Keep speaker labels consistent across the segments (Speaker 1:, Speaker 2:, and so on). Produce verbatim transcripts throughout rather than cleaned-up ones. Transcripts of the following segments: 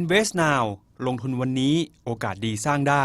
Speaker 1: Invest Now ลงทุนวันนี้โอกาสดีสร้างได้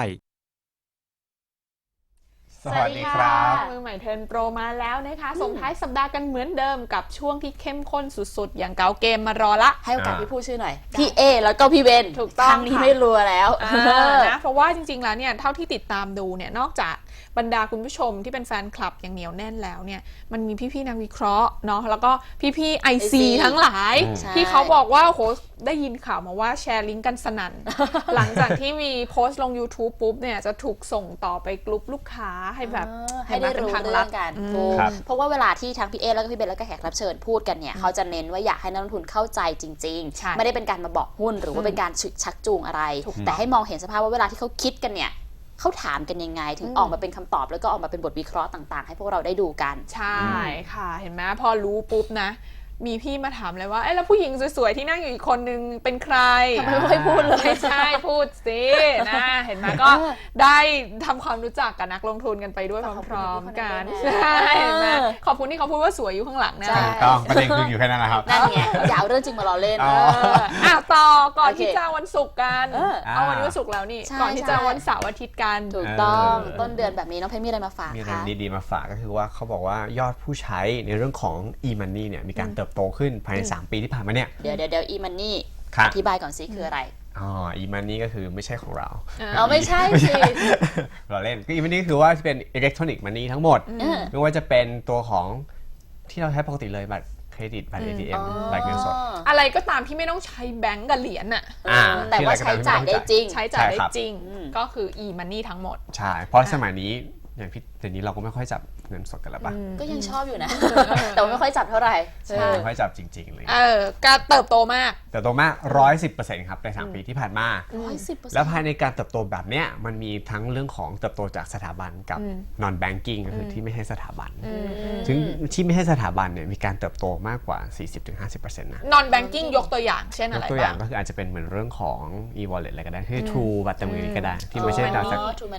Speaker 2: สวัสดีครับ
Speaker 3: มือใหม่เทิร์นโปรมาแล้วนะคะส่งท้ายสัปดาห์กันเหมือนเดิมกับช่วงที่เข้มข้นสุดๆอย่างเกาเกมมารอละ
Speaker 2: ให้โอกาสพี่พูดชื่อหน่อยพี่เอแล้วก็พี่เบน
Speaker 3: ถูกต้อง
Speaker 2: ครั้งนี้ไม่รัวแล้ว
Speaker 3: นะเพราะว่าจริงๆแล้วเนี่ยเท่าที่ติดตามดูเนี่ยนอกจากบรรดาคุณผู้ชมที่เป็นแฟนคลับอย่างเหนียวแน่นแล้วเนี่ยมันมีพี่ๆนักวิเคราะห์เนาะแล้วก็พี่ๆ ไอ ซี ทั้งหลายที่เขาบอกว่าโหได้ยินข่าวมาว่าแชร์ลิงก์กันสนั่น หลังจากที่มีโพสต์ลง YouTube ปุ๊บเนี่ยจะถูกส่งต่อไปกลุ่มลูกค้าให้แบบ
Speaker 2: ให้ได้รู้เรื่องกันเพราะว่าเวลาที่ทั้งพี่เอแล้วก็พี่เบนแล้วก็แขกรับเชิญพูดกันเนี่ยเขาจะเน้นว่าอยากให้นักลงทุนเข้าใจจริงๆไม่ได้เป็นการมาบอกหุ้นหรือว่าเป็นการชักจูงอะไรแต่ให้มองเห็นสภาพว่าเวลาที่เขาคิดกันเนี่ยเขาถามกันยังไงถึงออกมาเป็นคำตอบแล้วก็ออกมาเป็นบทวิเคราะห์ต่างๆให้พวกเราได้ดูกัน
Speaker 3: ใช่ค่ะเห็นไหมพอรู้ปุ๊บนะมีพี่มาถามเลยว่าเอ้แล้วผู้หญิงสวยๆที่นั่งอยู่อีกคนนึงเป็นใคร
Speaker 2: ทำไมไม่ค่อยพูดเลย
Speaker 3: ไม่ใช่พูดสินะเห็นไหมก็ได้ทำความรู้จักกับนักลงทุนกันไปด้วยพร้อมๆกันใช่ไหมขอบคุณที่เขาพูดว่าสวยอยู่ข้างหลังนะ
Speaker 4: ต้องประเด็นคืออยู่แค่นั้นนะครับ
Speaker 2: นั่นไงอย่าเอาเรื่องจริงมาล้อเล่น
Speaker 3: อ้าวต่อก่อนที่จะวันศุกร์กันเอาวันนี้วันศุกร์แล้วนี่ก่อนที่จะวันเสาร์อาทิตย์กัน
Speaker 2: ถูกต้องต้นเดือนแบบนี้น้องเพชรมีอะไรมาฝากคะ
Speaker 4: มีอะไรดีๆมาฝากก็คือว่าเขาบอกว่ายอดผู้ใช้ในเรื่องของ e-money เนี่ยมีการเติบโตขึ้นภายในสามปีที่ผ่านมาเนี่ย
Speaker 2: เดี๋ยวเดี๋ยวเดี๋ยว e-money อธิบายก่อนสิคืออะไร
Speaker 4: อ๋อ e-money ก็คือไม่ใช่ของเรา
Speaker 2: เอาไม่ใช่สิ
Speaker 4: เราเล่นก็ e-money คือว่าเป็น electronic money ทั้งหมดไม่ว่าจะเป็นตัวของที่เราใช้ปกติเลยบัตรเครดิตบัตร เอ ที เอ็ม บัตรเงินสด
Speaker 3: อะไรก็ตามที่ไม่ต้องใช้แบงก์กับเหรียญอ่ะ
Speaker 2: แต่ว่าใช้จ่ายได้จริง
Speaker 3: ใช้จ่ายได้จริงก็คือ e-money ทั้งหมด
Speaker 4: ใช่เพราะสมัยนี้อย่างพี่เดี๋ยวนี้เราก็ไม่ค่อยจับเงินสดกันแล้วป่ะ
Speaker 2: ก็ยังชอบอยู่นะแต่ไม่ค่อยจับเท่าไหร่
Speaker 4: ใช่ไม่ค่อยจับจริงๆเลย
Speaker 3: เออการเติบโตมาก
Speaker 4: เติบโตมาก ร้อยสิบเปอร์เซ็นต์ ครับในสามปีที่ผ่านมา
Speaker 2: ร้อยสิบเปอร์เซ็นต์
Speaker 4: แล้วภายในการเติบโตแบบเนี้ยมันมีทั้งเรื่องของเติบโตจากสถาบันกับ non banking ก็คือที่ไม่ใช่สถาบันถึงที่ไม่ใช่สถาบันเนี่ยมีการเติบโตมากกว่า สี่สิบถึงห้าสิบเปอร์เซ็นต์ นะ
Speaker 3: non banking ยกตัวอย่างเช่นอะไร
Speaker 4: ยกตัวอย่างก็คืออาจจะเป็นเหมือนเรื่องของ e-wallet อะไรก็ได้คือ True บัตรเติมเงินก็ได้ที่ไม่ใช่จาก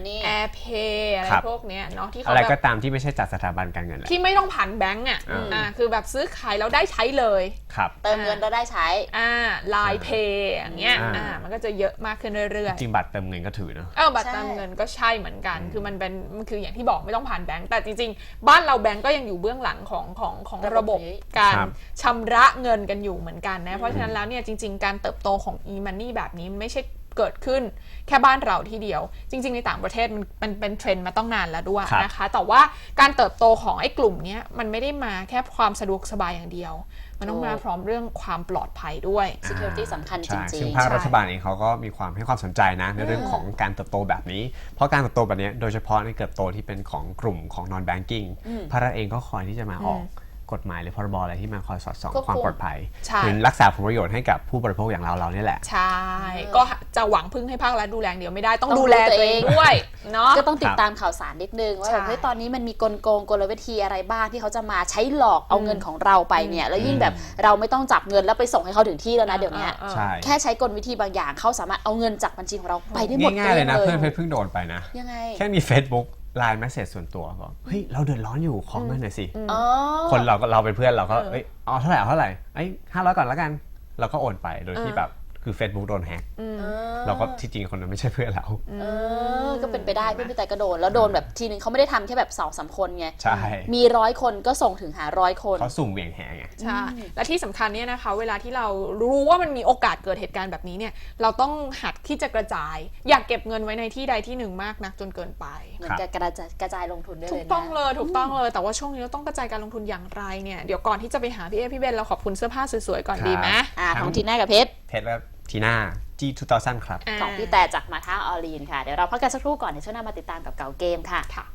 Speaker 3: AirPay อะไรพวกเนี้ยเนาะที่
Speaker 4: อะไรก็ตามที่ไม่ใช่จากสถาบันการเงิน
Speaker 3: ที่ไม่ต้องผ่านแบงก์อ่ะอ่าคือแบบซื้อขายแล้วได้ใช้เลย
Speaker 4: ครับ
Speaker 2: เติมเงินแล้วได้ใช้
Speaker 3: อ่า Line Pay อย่างเงี้ยอ่ามันก็จะเยอะมากขึ้นเรื่อย
Speaker 4: ๆจริงบัตรเติมเงินก็ถือเนอะ
Speaker 3: เออบัตรเติมเงินก็ใช่เหมือนกันคือมันเป็นมันคืออย่างที่บอกไม่ต้องผ่านแบงก์แต่จริงๆบ้านเราแบงก์ก็ยังอยู่เบื้องหลังของของของระบบการชำระเงินกันอยู่เหมือนกันนะเพราะฉะนั้นแล้วเนี่ยจริงๆการเติบโตของ e-money แบบนี้ไม่ใช่เกิดขึ้นแค่บ้านเราที่เดียวจริงๆในต่างประเทศมันมันเป็นเทรนด์มาต้องนานแล้วด้วยนะคะแต่ว่าการเติบโตของไอ้กลุ่มนี้มันไม่ได้มาแค่ความสะดวกสบายอย่างเดียวมันต้องมาพร้อมเรื่องความปลอดภัยด้วย
Speaker 2: security สำคัญจริงๆ
Speaker 4: ซึ่งภาครัฐบาลเองเขาก็มีความให้ความสนใจนะในเรื่องของการเติบโตแบบนี้เพราะการเติบโตแบบนี้โดยเฉพาะในเติบโตที่เป็นของกลุ่มของ non banking ภาครัฐเองก็คอยที่จะมาออกกฎหมายหรือพรบอะไรที่มาคอยสอดส่องความปลอดภัยถึงรักษาผลประโยชน์ให้กับผู้บริโภคอย่างเราเราเนี่ยแหละ
Speaker 3: ใช่ก็จะหวังพึ่งให้ภาครัฐดูแลเดียวไม่ได้ต้องดูแลตัวเองด้วยเนาะ
Speaker 2: ก็ต้องติดตามข่าวสารนิดนึงว่าเฮ้ยตอนนี้มันมีกลโกงกลวิธีอะไรบ้างที่เขาจะมาใช้หลอกเอาเงินของเราไปเนี่ยแล้วยิ่งแบบเราไม่ต้องจับเงินแล้วไปส่งให้เขาถึงที่แล้วนะเดี๋ยวนี้แค่ใช้กลวิธีบางอย่างเขาสามารถเอาเงินจากบัญชีของเราไปได้หมด
Speaker 4: ง่ายๆเลยนะเพื่อนเพชรเพิ่งโดนไปนะ
Speaker 2: ยังไง
Speaker 4: แค่มี Facebookไลน์แมสเสจส่วนตัวบอกเฮ้ยเราเดือดร้อนอยู่ขอเงินหน่อยสิคนเราเราเป็นเพื่อนเราก็เอ้ยอ๋อเท่าไหร่เท่าไหร่ไอ้ห้าร้อยก่อนแล้วกันเราก็โอนไปโดยที่แบบคือ Facebook โดนแฮกเราก็ที่จริงคนนั้นไม่ใช่เพื่อนเรา
Speaker 2: ก็เป็นไปได้เพื่อนพี่แต่ก็โดนแล้วโดนแบบทีนึงเขาไม่ได้ทำแค่แบบสองสามคนไง
Speaker 4: ใช่
Speaker 2: มีร้อยคนก็ส่งถึงหาร้อยคน
Speaker 4: เขาสุ่มเหวี่ยงแหไง
Speaker 3: ใช่และที่สำคัญเนี่ยนะคะเวลาที่เรารู้ว่ามันมีโอกาสเกิดเหตุการณ์แบบนี้เนี่ยเราต้องหัดที่จะกระจายอยากเก็บเงินไว้ในที่ใดที่หนึ่งมากนักจนเกินไป
Speaker 2: เหมือนกระจายกระจายลงทุนได้เลยนะ
Speaker 3: ถูกต้องเลยถูกต้องเลยแต่ว่าช่วงนี้เราต้องกระจายการลงทุนอย่างไรเนี่ยเดี๋ยวก่อนที่จะไปหาพี่เอพี่เบนเราขอบคุณเสื้อผ้าสวยๆก่อนดีไหม
Speaker 2: อ่าของทีน่ากับเพชร
Speaker 4: เพชรและทีน่า จี สองพัน ครับ
Speaker 2: ของพี่แต่จากมาท่าออลีนค่ะเดี๋ยวเราพักกันสักครู่ก่อนเดี๋ยวช่วงหน้ามาติดตามกับเก่าเกมค่ะ